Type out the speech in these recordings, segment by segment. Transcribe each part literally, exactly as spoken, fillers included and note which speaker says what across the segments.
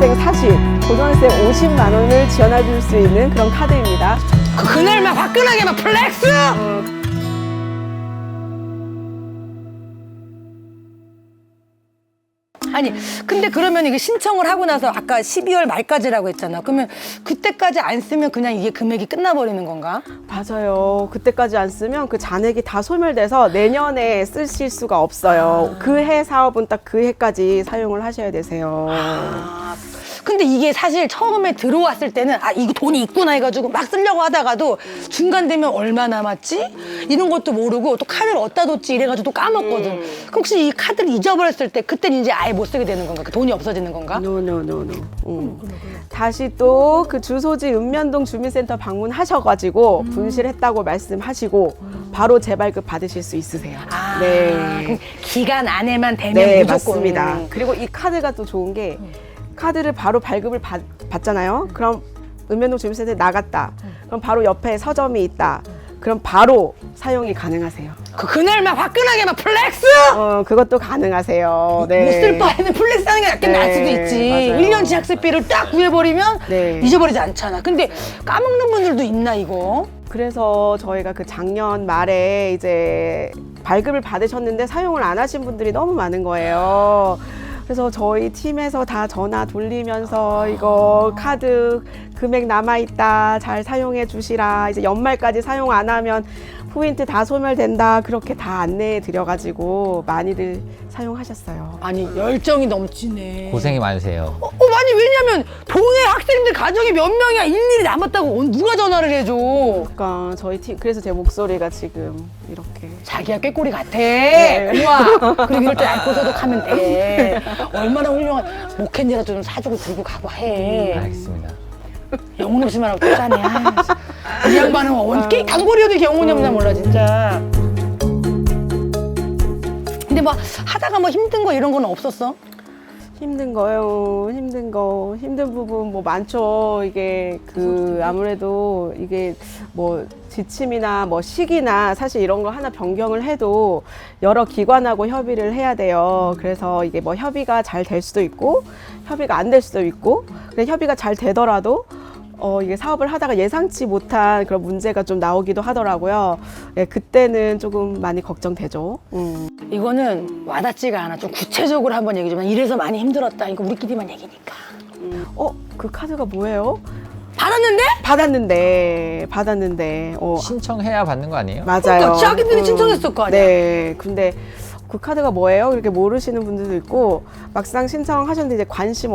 Speaker 1: 중학생 사십, 고등학생 오십만 원을 지원해 줄 수 있는 그런 카드입니다.
Speaker 2: 그, 그날 막 화끈하게 막 플렉스!
Speaker 1: 어,
Speaker 2: 아니 근데 그러면 이게 신청을 하고 나서 아까 십이월 말까지라고 했잖아. 그러면 그때까지 안 쓰면 그냥 이게 금액이 끝나버리는 건가?
Speaker 1: 맞아요. 그때까지 안 쓰면 그 잔액이 다 소멸돼서 내년에 쓰실 수가 없어요. 그 해 사업은 딱 그 해까지 사용을 하셔야 되세요.
Speaker 2: 아, 근데 이게 사실 처음에 들어왔을 때는 아 이거 돈이 있구나 해가지고 막 쓰려고 하다가도 중간 되면 얼마 남았지? 이런 것도 모르고 또 카드를 어디다 뒀지 이래가지고 또 까먹거든. 그럼 혹시 이 카드를 잊어버렸을 때 그때는 이제 아예 못 쓰게 되는 건가? 그 돈이 없어지는 건가?
Speaker 1: 노노노노. 음. 다시 또 그 주소지 읍면동 주민센터 방문하셔가지고 분실했다고 말씀하시고 바로 재발급 받으실 수 있으세요.
Speaker 2: 아,
Speaker 1: 네.
Speaker 2: 그럼 기간 안에만 되면
Speaker 1: 네,
Speaker 2: 무조건.
Speaker 1: 맞습니다. 그리고 이 카드가 또 좋은 게 카드를 바로 발급을 받, 받잖아요. 그럼 읍면동 주민센터에 나갔다. 그럼 바로 옆에 서점이 있다. 그럼 바로 사용이 가능하세요.
Speaker 2: 그 그날 막 화끈하게 막 플렉스!
Speaker 1: 어, 그것도 가능하세요. 네.
Speaker 2: 못 쓸 바에는 플렉스 하는 게 낫게
Speaker 1: 네,
Speaker 2: 나을 수도 있지.
Speaker 1: 맞아요.
Speaker 2: 일 년치 학습비를 딱 구해버리면
Speaker 1: 네.
Speaker 2: 잊어버리지 않잖아. 근데 까먹는 분들도 있나 이거?
Speaker 1: 그래서 저희가 그 작년 말에 이제 발급을 받으셨는데 사용을 안 하신 분들이 너무 많은 거예요. 그래서 저희 팀에서 다 전화 돌리면서 이거 카드 금액 남아있다, 잘 사용해 주시라, 이제 연말까지 사용 안 하면 포인트 다 소멸된다, 그렇게 다 안내해 드려가지고 많이들 사용하셨어요.
Speaker 2: 아니 열정이 넘치네.
Speaker 3: 고생이 많으세요.
Speaker 2: 어, 어, 아니 왜냐면 동해 학생들 가정이 몇 명이야 일일이 남았다고 누가 전화를 해줘.
Speaker 1: 그러니까 저희 팀, 그래서 제 목소리가 지금 이렇게.
Speaker 2: 자기야 꾀꼬리 같아.
Speaker 1: 네.
Speaker 2: 우와. 그리고 이럴 때 알코 소독하면 돼. 얼마나 훌륭한 목캔디라도 좀 사주고 들고 가고 해.
Speaker 3: 알겠습니다.
Speaker 2: 영혼 없이 말하고 또 짜네. 아, 이 양반은 원게 단골이어도 이렇게 영혼이 없나 몰라 진짜. 근데 뭐 하다가 뭐 힘든 거 이런 건 없었어?
Speaker 1: 힘든 거요. 힘든 거. 힘든 부분 뭐 많죠. 이게 그 아무래도 이게 뭐 지침이나 뭐 시기나 사실 이런 거 하나 변경을 해도 여러 기관하고 협의를 해야 돼요. 그래서 이게 뭐 협의가 잘 될 수도 있고 협의가 안 될 수도 있고, 근데 협의가 잘 되더라도 어, 이게 사업을 하다가 예상치 못한 그런 문제가 좀 나오기도 하더라고요. 예, 그때는 조금 많이 걱정되죠. 음.
Speaker 2: 이거는 와닿지가 않아. 좀 구체적으로 한번 얘기 좀 해. 이래서 많이 힘들었다. 이거 우리끼리만 얘기니까.
Speaker 1: 어, 그 카드가 뭐예요?
Speaker 2: 받았는데?
Speaker 1: 받았는데, 받았는데, 어,
Speaker 3: 신청해야 받는 거 아니에요?
Speaker 1: 맞아요.
Speaker 2: 그러니까 자기들이
Speaker 1: 음,
Speaker 2: 신청했을 거 아니야.
Speaker 1: 네, 근데 그 카드가 뭐예요? 그렇게 모르시는 분들도 있고, 막상 신청하셨는데 이제 관심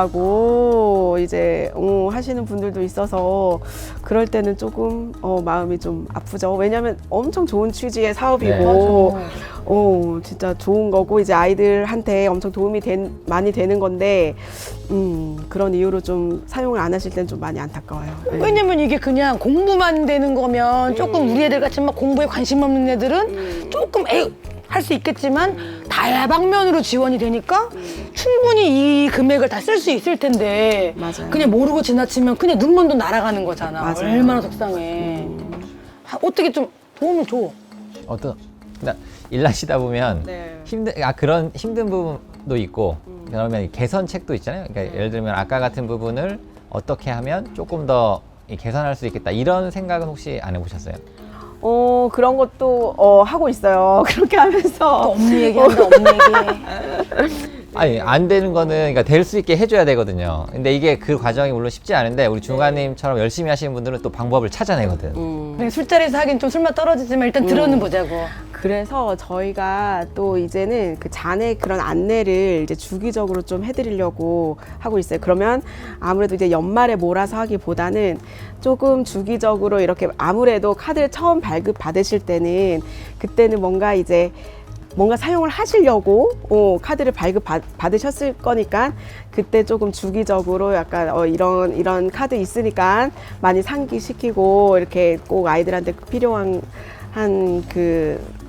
Speaker 1: 없다고 이제 어, 하시는 분들도 있어서 그럴 때는 조금 어, 마음이 좀 아프죠. 왜냐면 엄청 좋은 취지의 사업이고,
Speaker 2: 네,
Speaker 1: 어, 진짜 좋은 거고 이제 아이들한테 엄청 도움이 된, 많이 되는 건데, 음, 그런 이유로 좀 사용을 안 하실 때는 좀 많이 안타까워요. 네.
Speaker 2: 왜냐면 이게 그냥 공부만 되는 거면 조금 우리 애들 같이 막 공부에 관심 없는 애들은 조금 할 수 있겠지만 다방면으로 지원이 되니까 충분히 이 금액을 다 쓸 수 있을 텐데
Speaker 1: 맞아요.
Speaker 2: 그냥 모르고 지나치면 그냥 눈먼 돈 날아가는 거잖아.
Speaker 1: 맞아요.
Speaker 2: 얼마나 속상해. 하- 어떻게 좀 도움을 줘.
Speaker 3: 어떤 그러니까 일하시다 보면
Speaker 1: 네.
Speaker 3: 힘든 아 그런 힘든 부분도 있고 그러면 이 개선책도 있잖아요. 그러니까 예를 들면 아까 같은 부분을 어떻게 하면 조금 더 이 개선할 수 있겠다 이런 생각은 혹시 안 해보셨어요?
Speaker 1: 어, 그런 것도 어, 하고 있어요. 그렇게
Speaker 2: 또
Speaker 1: 하면서.
Speaker 2: 업무 얘기한다, 업무 얘기.
Speaker 3: 아니 안 되는 거는 그러니까 될 수 있게 해줘야 되거든요. 근데 이게 그 과정이 물론 쉽지 않은데 우리 중화님처럼 열심히 하시는 분들은 또 방법을 찾아내거든.
Speaker 1: 음.
Speaker 2: 그냥 술자리에서 하긴 좀 술맛 떨어지지만 일단 들어는 보자고.
Speaker 1: 그래서 저희가 또 이제는 그 잔해 그런 안내를 이제 주기적으로 좀 해드리려고 하고 있어요. 그러면 아무래도 이제 연말에 몰아서 하기보다는 조금 주기적으로 이렇게 아무래도 카드를 처음 발급 받으실 때는 그때는 뭔가 이제 뭔가 사용을 하시려고 어, 카드를 발급 받, 받으셨을 거니까 그때 조금 주기적으로 약간 어, 이런 이런 카드 있으니까 많이 상기시키고 이렇게 꼭 아이들한테 필요한 한 그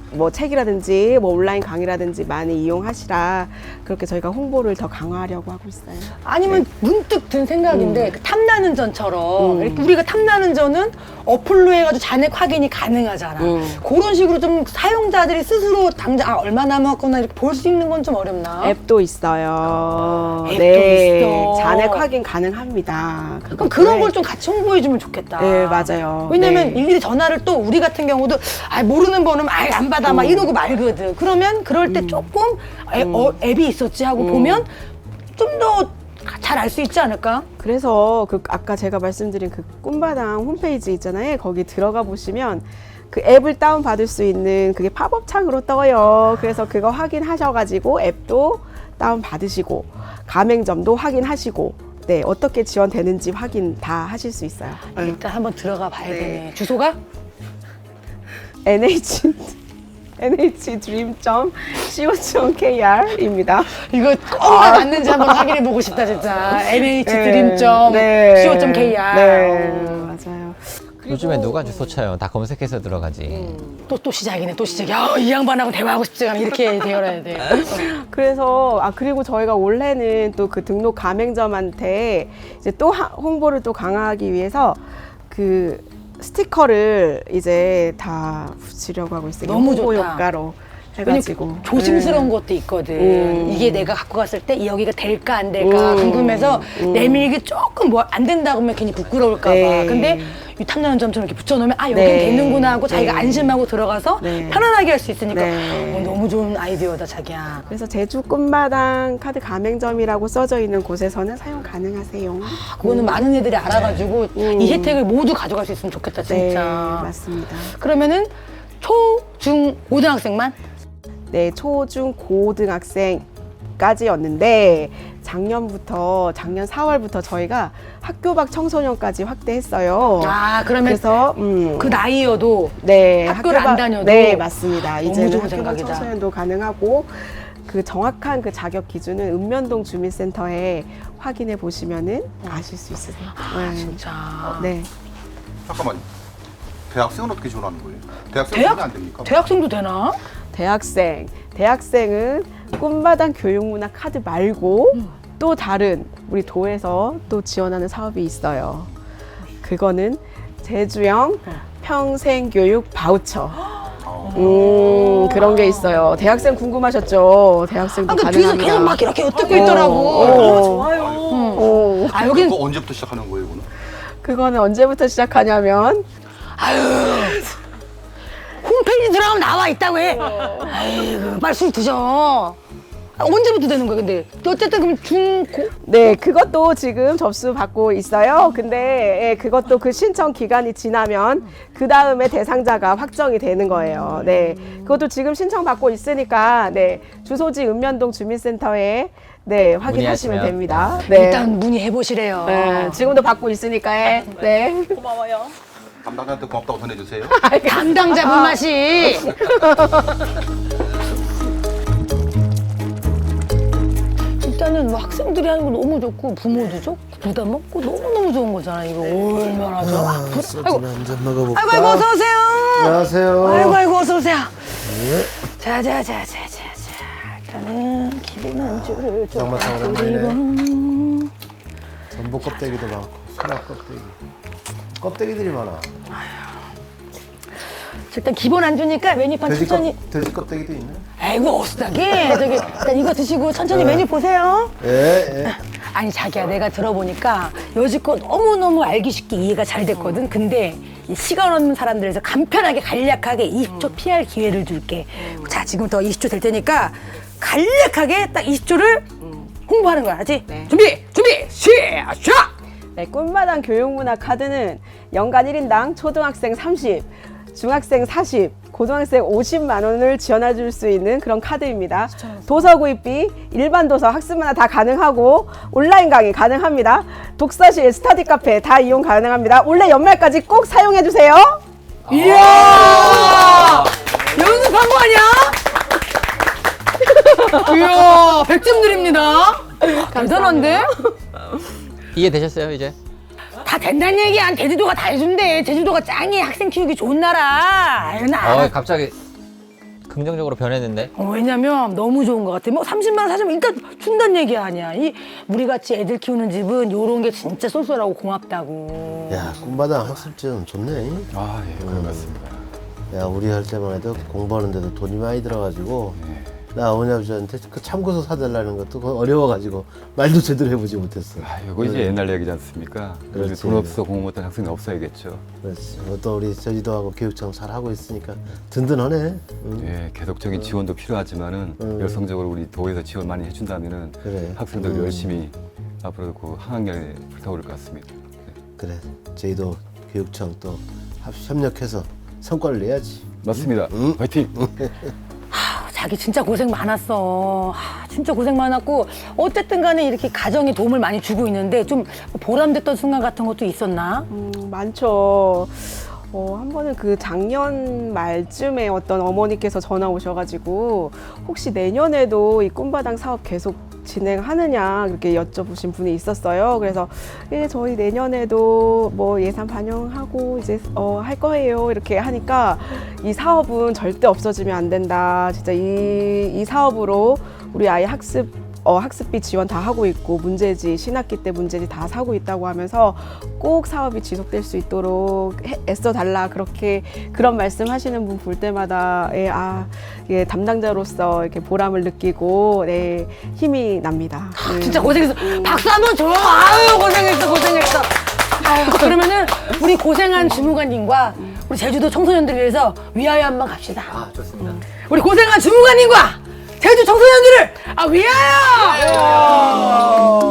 Speaker 1: 뭐 책이라든지 뭐 온라인 강의라든지 많이 이용하시라 그렇게 저희가 홍보를 더 강화하려고 하고 있어요.
Speaker 2: 아니면 문득 든 생각인데 그 탐나는 전처럼
Speaker 1: 음.
Speaker 2: 이렇게 우리가 탐나는 전은 어플로 해가지고 잔액 확인이 가능하잖아.
Speaker 1: 음.
Speaker 2: 그런 식으로 좀 사용자들이 스스로 당장 아, 얼마 남았구나 이렇게 볼 수 있는 건 좀 어렵나?
Speaker 1: 앱도 있어요.
Speaker 2: 앱도
Speaker 1: 네,
Speaker 2: 있어.
Speaker 1: 잔액 확인 가능합니다.
Speaker 2: 그럼 그런
Speaker 1: 네.
Speaker 2: 걸 좀 같이 홍보해주면 좋겠다.
Speaker 1: 네, 맞아요.
Speaker 2: 왜냐면
Speaker 1: 네.
Speaker 2: 일일이 전화를 또 우리 같은 경우도 아, 모르는 번호면 아예 안 받아 막
Speaker 1: 음.
Speaker 2: 이러고 말거든. 그러면 그럴 때 조금 애- 어, 앱이 있었지 하고
Speaker 1: 음.
Speaker 2: 보면 좀 더 잘 알 수 있지 않을까?
Speaker 1: 그래서 그 아까 제가 말씀드린 그 꿈바당 홈페이지 있잖아요. 거기 들어가 보시면 그 앱을 다운 받을 수 있는 그게 팝업 창으로 떠요. 그래서 그거 확인하셔가지고 앱도 다운 받으시고 가맹점도 확인하시고 네 어떻게 지원되는지 확인 다 하실 수 있어요. 네.
Speaker 2: 일단 한번 들어가 봐야
Speaker 1: 네.
Speaker 2: 되네. 주소가?
Speaker 1: 엔에이치 엔에이치 드림 닷 씨오 닷 케이알입니다.
Speaker 2: 이거 꼭 맞는지 한번 확인해 보고 싶다 진짜. 엔에이치
Speaker 1: 네.
Speaker 2: 드림 닷
Speaker 1: 네.
Speaker 2: 씨오 닷 케이알.
Speaker 1: 네, 맞아요.
Speaker 3: 요즘에 누가 주소 쳐요? 다 검색해서 들어가지.
Speaker 2: 또, 또 시작이네, 또 시작이야. 아, 이 양반하고 대화하고 싶지 않아. 이렇게 되어야 돼.
Speaker 1: 그래서 아 그리고 저희가 올해는 또 그 등록 가맹점한테 이제 또 하- 홍보를 또 강화하기 위해서 그 스티커를 이제 다 붙이려고 하고 있어요.
Speaker 2: 너무
Speaker 1: 홍보
Speaker 2: 좋다.
Speaker 1: 효과로
Speaker 2: 왜냐면
Speaker 1: 해가지고
Speaker 2: 조심스러운
Speaker 1: 음.
Speaker 2: 것도 있거든.
Speaker 1: 음.
Speaker 2: 이게 내가 갖고 갔을 때 여기가 될까 안 될까
Speaker 1: 음.
Speaker 2: 궁금해서
Speaker 1: 음.
Speaker 2: 내밀기 조금 뭐 안 된다고 하면 괜히 부끄러울까 봐.
Speaker 1: 네.
Speaker 2: 근데 이 탐나는 점처럼 이렇게 붙여놓으면 아 여긴
Speaker 1: 네.
Speaker 2: 되는구나 하고 자기가
Speaker 1: 네.
Speaker 2: 안심하고 들어가서
Speaker 1: 네.
Speaker 2: 편안하게 할 수 있으니까
Speaker 1: 네.
Speaker 2: 어, 너무 좋은 아이디어다 자기야.
Speaker 1: 그래서 제주 꿈마당 카드 가맹점이라고 써져 있는 곳에서는 사용 가능하세요.
Speaker 2: 그거는 많은 애들이 알아가지고
Speaker 1: 음.
Speaker 2: 이 혜택을 모두 가져갈 수 있으면 좋겠다
Speaker 1: 네,
Speaker 2: 진짜.
Speaker 1: 맞습니다.
Speaker 2: 그러면은 초, 중, 고등학생만?
Speaker 1: 네, 초, 중, 고등학생까지였는데 작년부터 작년 사월부터 저희가 학교 밖 청소년까지 확대했어요.
Speaker 2: 아 그러면
Speaker 1: 그래서 음,
Speaker 2: 그 나이여도
Speaker 1: 네,
Speaker 2: 학교를
Speaker 1: 학교
Speaker 2: 안
Speaker 1: 밖-
Speaker 2: 다녀도
Speaker 1: 네, 맞습니다.
Speaker 2: 너무
Speaker 1: 이제는
Speaker 2: 좋은
Speaker 1: 학교 밖
Speaker 2: 생각이다.
Speaker 1: 청소년도 가능하고 그 정확한 그 자격 기준은 읍면동 주민센터에 확인해 보시면은 아실 수 있으세요. 네.
Speaker 2: 진짜.
Speaker 1: 네.
Speaker 4: 잠깐만. 대학생은 어떻게 지원하는 거예요? 대학생은
Speaker 2: 대학-
Speaker 4: 전혀 안 됩니까?
Speaker 2: 대학생도 되나?
Speaker 1: 대학생. 대학생은 꿈마당 교육문화 카드 말고 또 다른 우리 도에서 또 지원하는 사업이 있어요. 그거는 제주형 평생교육 바우처. 음, 그런 게 있어요. 대학생 궁금하셨죠? 대학생도
Speaker 2: 아, 그 뒤에서
Speaker 1: 가능합니다.
Speaker 2: 계속 막 이렇게 엿듣고 있더라고.
Speaker 1: 어,
Speaker 2: 좋아요.
Speaker 1: 어,
Speaker 2: 아, 여긴
Speaker 4: 그거 언제부터 시작하는 거예요, 이거는?
Speaker 1: 그거는 언제부터 시작하냐면
Speaker 2: 홈페이지 들어가면 나와 있다고 해. 아이고, 빨리 술 드셔. 아, 언제부터 되는 거야, 근데? 어쨌든 그럼 중, 고,
Speaker 1: 네, 그것도 지금 접수 받고 있어요. 근데 예, 그것도 그 신청 기간이 지나면 그 다음에 대상자가 확정이 되는 거예요. 네, 그것도 지금 신청 받고 있으니까 네 주소지 읍면동 주민센터에 네 확인하시면
Speaker 3: 문의하시면.
Speaker 1: 됩니다. 네,
Speaker 2: 일단 문의해보시래요.
Speaker 1: 네, 지금도 받고 있으니까 네.
Speaker 4: 담당자한테 고맙다고 전해주세요.
Speaker 2: 담당자분 맛이. 일단은 뭐 학생들이 하는 거 너무 좋고 부모도 좋고 부담 없고 너무너무 좋은 거잖아. 이거 얼마나 좋아. 아, 부-
Speaker 5: 소주
Speaker 2: 아이고,
Speaker 5: 한잔 먹어볼까?
Speaker 2: 아이고, 아이고, 어서 오세요.
Speaker 5: 안녕하세요.
Speaker 2: 아이고, 아이고, 어서 오세요. 자자자자자자. 일단은 기본 안주를 좀
Speaker 5: 장마탕
Speaker 2: 드리고.
Speaker 5: 전복 껍데기도 많고 소라 껍데기. 껍데기들이 많아.
Speaker 2: 일단 기본 안주니까 메뉴판
Speaker 5: 돼지,
Speaker 2: 천천히.
Speaker 5: 껍, 돼지 껍데기도 있네.
Speaker 2: 아이고 어수다게 저기 일단 이거 드시고 천천히
Speaker 5: 네.
Speaker 2: 메뉴 보세요.
Speaker 5: 예, 예.
Speaker 2: 아니 자기야 내가 들어보니까 여지껏 너무너무 알기 쉽게 이해가 잘 됐거든. 근데 이 시간 없는 사람들에서 간편하게 간략하게 이십 초 피할 기회를 줄게. 자 지금부터 이십 초 될 테니까 간략하게 딱 이십 초를 홍보하는 거야 알지?
Speaker 1: 네.
Speaker 2: 준비 준비 시작.
Speaker 1: 네, 꿈마당 교육문화 카드는 연간 일 인당 초등학생 삼십, 중학생 사십, 고등학생 오십만 원을 지원해 줄 수 있는 그런 카드입니다. 도서 구입비, 일반 도서, 학습문화 다 가능하고 온라인 강의 가능합니다. 독서실, 스터디 카페 다 이용 가능합니다. 올해 연말까지 꼭 사용해 주세요.
Speaker 2: 이야 연습한 거 아니야? 이야 백 점 드립니다. 대단한데?
Speaker 3: 이해되셨어요, 이제?
Speaker 2: 다 된다는 얘기야. 제주도가 다 해준대. 제주도가 짱이야. 학생 키우기 좋은 나라. 아유, 나 알아.
Speaker 3: 어, 갑자기 긍정적으로 변했는데.
Speaker 2: 어, 왜냐면 너무 좋은 것 같아. 뭐 삼십만 원 사주면 일단 준다는 얘기 아니야. 이 우리 같이 애들 키우는 집은 요런 게 진짜 쏠쏠하고 고맙다고.
Speaker 5: 야, 꿈마당 학습지원 좋네.
Speaker 6: 아, 예, 그런 것 같습니다.
Speaker 5: 야, 우리 할 때만 해도 공부하는데도 돈이 많이 들어가지고 나 어머니 아버지한테 그 참고서 사달라는 것도 그거 어려워가지고 말도 제대로 해보지 못했어.
Speaker 6: 아, 이거 이제 옛날 얘기지 않습니까? 요즘
Speaker 5: 그렇지.
Speaker 6: 돈 없어 공부 못한 학생이 없어야겠죠.
Speaker 5: 그렇지. 또 우리 저지도하고 교육청 잘 하고 있으니까 든든하네. 응.
Speaker 6: 예, 계속적인 지원도 필요하지만은
Speaker 5: 음.
Speaker 6: 열성적으로 우리 도에서 지원 많이 해준다면은
Speaker 5: 그래.
Speaker 6: 학생들
Speaker 5: 음.
Speaker 6: 열심히 앞으로도 그 학학년에 불타오를 것 같습니다.
Speaker 5: 그래. 저희도 교육청 또 합- 협력해서 성과를 내야지.
Speaker 6: 맞습니다. 화이팅!
Speaker 2: 자기 진짜 고생 많았어. 아, 진짜 고생 많았고 어쨌든 간에 이렇게 가정에 도움을 많이 주고 있는데 좀 보람됐던 순간 같은 것도 있었나?
Speaker 1: 음, 많죠. 어, 한 번은 그 작년 말쯤에 어떤 어머니께서 전화 오셔가지고 혹시 내년에도 이 꿈바당 사업 계속 진행하느냐 그렇게 여쭤보신 분이 있었어요. 그래서 예, 저희 내년에도 뭐 예산 반영하고 이제 어, 할 거예요. 이렇게 하니까 이 사업은 절대 없어지면 안 된다. 진짜 이, 이 사업으로 우리 아이 학습 어, 학습비 지원 다 하고 있고 문제지 신학기 때 문제지 다 사고 있다고 하면서 꼭 사업이 지속될 수 있도록 해, 애써 달라 그렇게 그런 말씀하시는 분 볼 때마다 예, 아, 예, 담당자로서 이렇게 보람을 느끼고 네, 힘이 납니다. 네.
Speaker 2: 진짜 고생했어. 박수 한번 줘. 아유 고생했어 고생했어. 아유 그러면은 우리 고생한 주무관님과 우리 제주도 청소년들을 위해서 위하여 한번 갑시다.
Speaker 3: 아, 좋습니다.
Speaker 2: 우리 고생한 주무관님과 제주 청소년들을 아 위하여.